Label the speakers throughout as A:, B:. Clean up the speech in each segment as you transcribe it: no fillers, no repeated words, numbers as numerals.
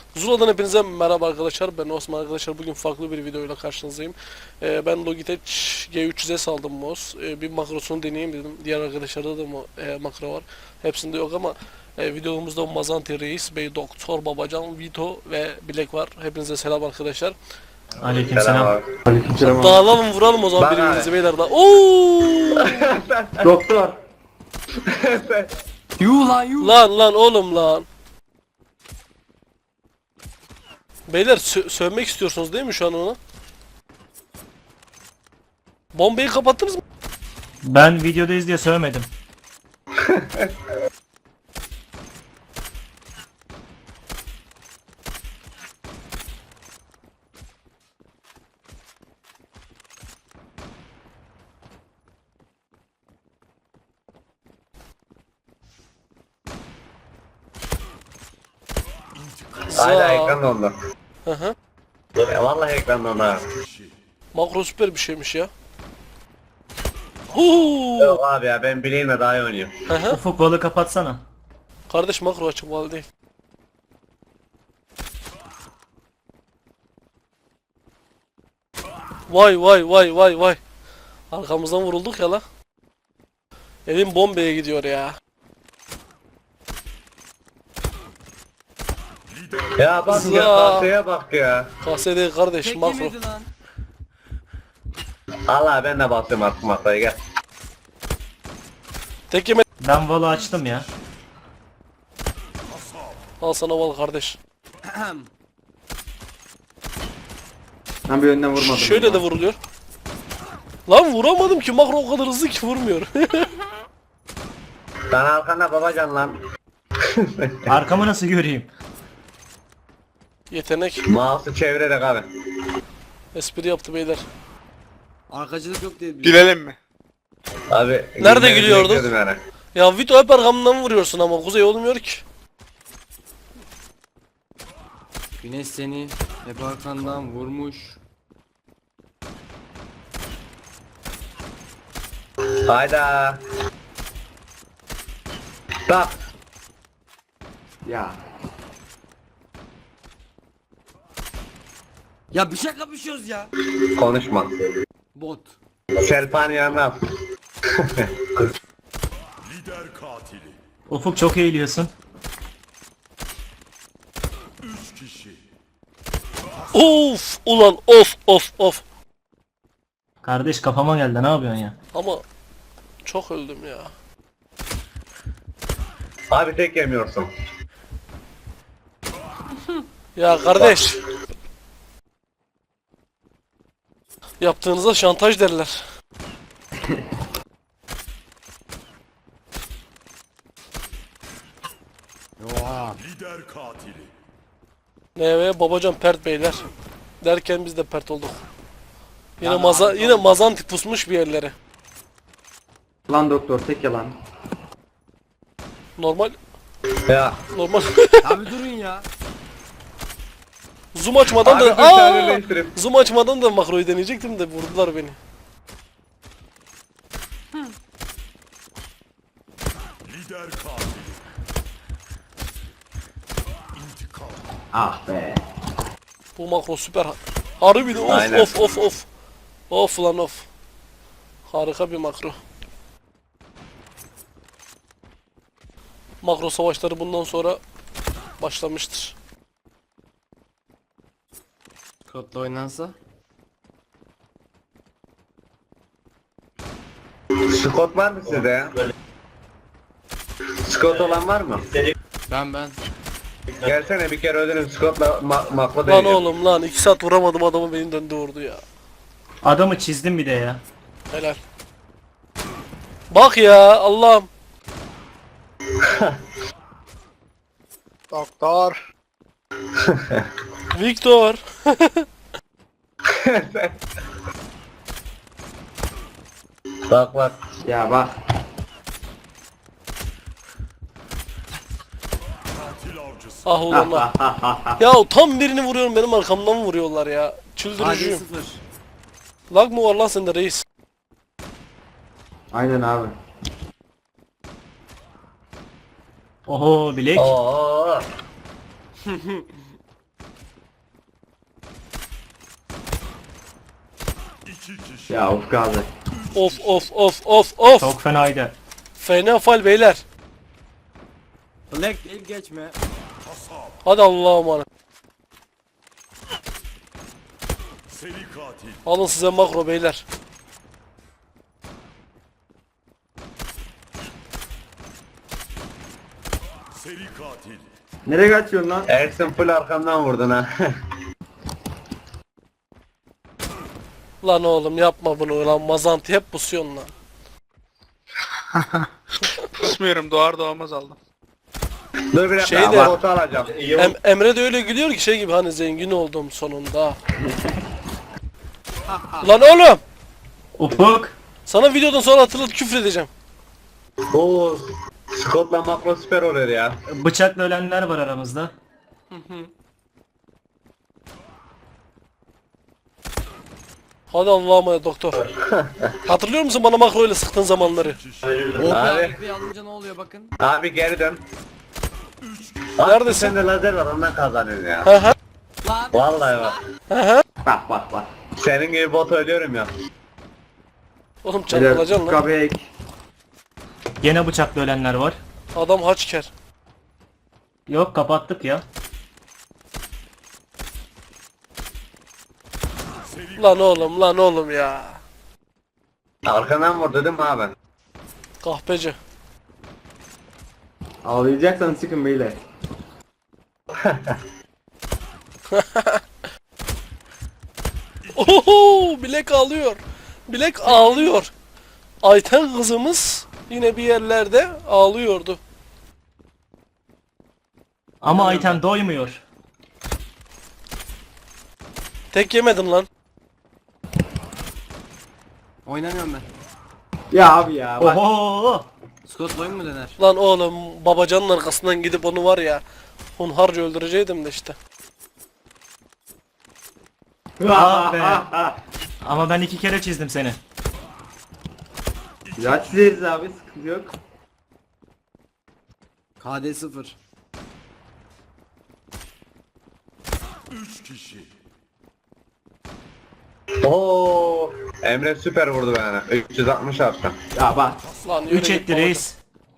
A: Zula'dan hepinize merhaba arkadaşlar. Ben Osman arkadaşlar. Bugün farklı bir videoyla karşınızdayım. Ben Logitech G300'e aldım mouse. Bir makrosunu deneyeyim dedim. Diğer arkadaşlarda da makro var. Hepsinde yok ama videomuzda Mazanti Reis Bey, Doktor Babacan, Vito ve Bilek var. Hepinize selam arkadaşlar.
B: Aleykümselam.
C: Selam abi.
D: Aleykümselam abi.
A: Dağılalım vuralım o zaman
C: Bana
A: birbirimizi
C: ne?
A: beyler da. Oo!
D: Doktor.
B: Yuh lan yuh.
A: Lan oğlum lan. Beyler sövmek istiyorsunuz değil mi şu an ona? Bombayı kapattınız mı?
B: Ben videodayız diye söylemedim.
C: Hala ekran dondu.
A: Hı hı.
C: Vallahi ekran dondu abi.
A: Makro süper bir şeymiş ya. Huu.
C: Yok abi ya ben bileğimle daha iyi oynuyorum.
A: Hı hı.
B: Ufuk balığı kapatsana.
A: Kardeş makro açık bağlı değil. Vay. Arkamızdan vurulduk ya la. Elim bombeye gidiyor ya.
C: Ya bak ya tahtaya bak ya.
A: KSD kardeş
B: Tek
A: makro.
B: yemedi lan.
C: Allah ben de basıyorum artık masaya gel.
A: Tek yeme.
B: Ben valı açtım ya.
A: Al sana val kardeş.
D: Ben bir yönden vurmadım.
A: Şöyle de vuruluyor. Lan vuramadım ki makro o kadar hızlı ki vurmuyor.
C: Sen arkanda babacan lan.
B: Arkamı nasıl göreyim?
A: Yetenek.
C: Mouse'u çevirerek abi.
A: Espri yaptı beyler.
E: Arkacılık yok diye biliyorum.
F: Gülelim mi?
C: Abi.
A: Nerede
C: gülmenizi
A: gülüyorduk?
C: bekliyordum Yani.
A: Ya Vito hep arkamdan vuruyorsun ama Kuzey olmuyor ki.
E: Güneş seni hep arkandan vurmuş.
C: Hayda. Bak.
D: Ya.
E: Ya bir şey kapışıyoruz ya.
C: Konuşma.
E: Bot.
C: Serpan yanına al.
B: Ufuk çok eğiliyorsun.
A: Of ulan of.
B: Kardeş kafama geldi, ne yapıyorsun ya?
A: Ama çok öldüm ya.
C: Abi tek yemiyorsun.
A: Ya kardeş. Yaptığınıza şantaj derler.
E: Oha.
A: NV babacan pert beyler. Derken biz de pert olduk. Yine
E: Ya
A: yine mazanti pusmuş bir yerlere.
D: Lan doktor tek yalan.
A: Normal
C: Ya.
E: Abi durun ya.
A: zoom açmadan
C: Abi
A: da
C: dur tane değiştirip.
A: zoom açmadan da makroyu deneyecektim de vurdular beni.
D: Ah be.
A: Bu makro süper. Harbi de
C: Aynen.
A: of. Of lan of. Harika bir makro. Makro savaşları bundan sonra başlamıştır.
E: Kodla oynansa.
C: Scott var mı sizde ya? Scott olan var mı?
E: Ben.
C: Gelsene bir kere öderim Scott'la makro
A: Lan
C: deneyeceğim.
A: oğlum lan 2 saat vuramadım adamı beni döndü vurdu ya.
B: Adamı çizdim bir de ya.
A: Helal. Bak ya Allah'ım.
F: Doktor.
A: Victor.
C: Bak.
D: Ya bak.
A: Ah ulan lan. Ya tam birini vuruyorum benim arkamdan vuruyorlar ya.
E: Hadi
A: Çıldırıcıyım.
E: 0.
A: Lag mı var lan sende reis?
D: Aynen abi.
B: Oho bilek.
C: Oo.
D: Ya Ufuk abi.
A: Of of of of of.
B: Çok fenaydı.
A: Fena fal beyler.
E: Black değil geçme.
A: Hadi Allah'a emanet.
F: Seri katil.
A: Alın size makro beyler.
F: Seri katil.
D: Nereye kaçıyorsun lan?
C: Ersin full arkamdan vurdun ha.
A: Lan oğlum yapma bunu lan, mazantı hep pusuyorsun lan.
G: Kusmuyorum, doğar doğmaz aldım.
C: Dur bir dakika
A: Şey de-
C: botu alacağım.
A: Emre de öyle gülüyor ki şey gibi, hani zengin oldum sonunda. Lan oğlum!
B: Ufuk.
A: Sana videodan sonra hatırlat, küfür edeceğim.
C: Oo, Scott'la makro süper oluyor ya.
B: Bıçakla ölenler var aramızda.
A: Hadi Allah'a emanet doktor. Hatırlıyor musun bana makro ile sıktığın zamanları?
E: Oh
C: Abi.
E: abi. Bir alınca ne oluyor bakın.
C: Abi geri dön.
A: Neredesin?
C: Sende lazer var ondan kazanıyorsun ya.
A: Hı hı.
E: Lan.
C: Vallahi bak.
D: Bak bak bak.
C: Senin gibi bot ölüyorum ya.
A: Oğlum
D: Beyler
A: çarpılacaksın
D: Ufuk
A: lan.
D: abi ek.
B: Gene bıçakla ölenler var.
A: Adam haçker.
B: Yok, kapattık ya.
A: Lan oğlum lan oğlum ya.
C: Arkadan vurdu değil mi abi?
A: Kahpeci.
D: Ağlayacaksan sıkın beyler.
A: Oho, bilek ağlıyor. Bilek ağlıyor. Ayten kızımız yine bir yerlerde ağlıyordu.
B: Ama Ayten doymuyor.
A: Tek yemedin lan.
E: Oynamıyorum ben.
D: Ya abi ya bak.
B: Oho.
E: Scott oyun mu döner?
A: Lan oğlum, babacanın arkasından gidip onu var ya, hunharca öldüreceydim de işte.
B: Ah be. Ama ben 2 kere çizdim seni.
D: Ya çizeriz abi sıkıntı yok.
E: KD 0.
F: 3 kişi.
C: Oo, Emre süper vurdu bana. 360 attı.
D: Ya bak.
A: Lan yürü
B: 3
A: git
B: etti
A: babacan.
B: reis.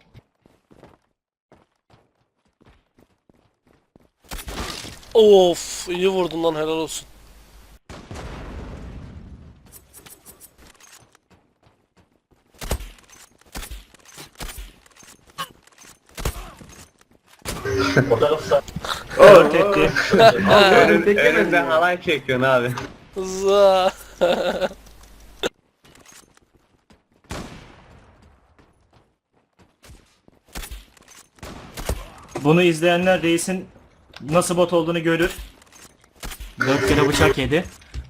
A: Of, iyi vurdun lan, helal olsun.
B: Dört etti.
C: Önünde halay çekiyorsun abi.
A: Za.
B: Bunu izleyenler reisin nasıl bot olduğunu görür. 4 kere bıçak yedi.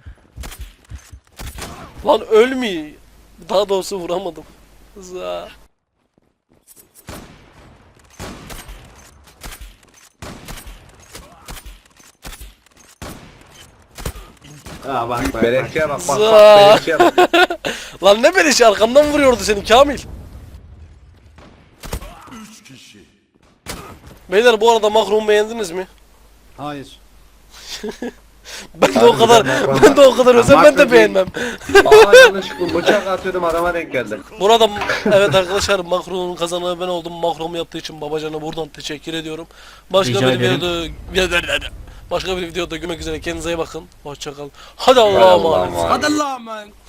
A: Lan ölmüyor. Daha doğrusu vuramadım. Za.
D: Ha bak bak. bak.
C: Beleşçiye bak bak
A: Za.
C: bak beleşçiye bak.
A: Lan ne beleşi, arkamdan vuruyordu seni Kamil.
F: 3 kişi.
A: Beyler bu arada makromu beğendiniz mi?
E: Hayır.
A: Ben de o kadar, ben de o kadar özel, ben de beğenmem.
C: Aa yanlışlıkla bıçak atıyordum adama denk geldi.
A: Burada evet arkadaşlar, makronun kazananı ben oldum. Makromu yaptığı için babacana buradan teşekkür ediyorum. Başka
B: Rica
A: bir
B: ederim.
A: videoda, başka bir videoda görmek üzere, kendinize iyi bakın. Hoşça kalın. Hadi Allah'a emanet.
E: Hadi lan man.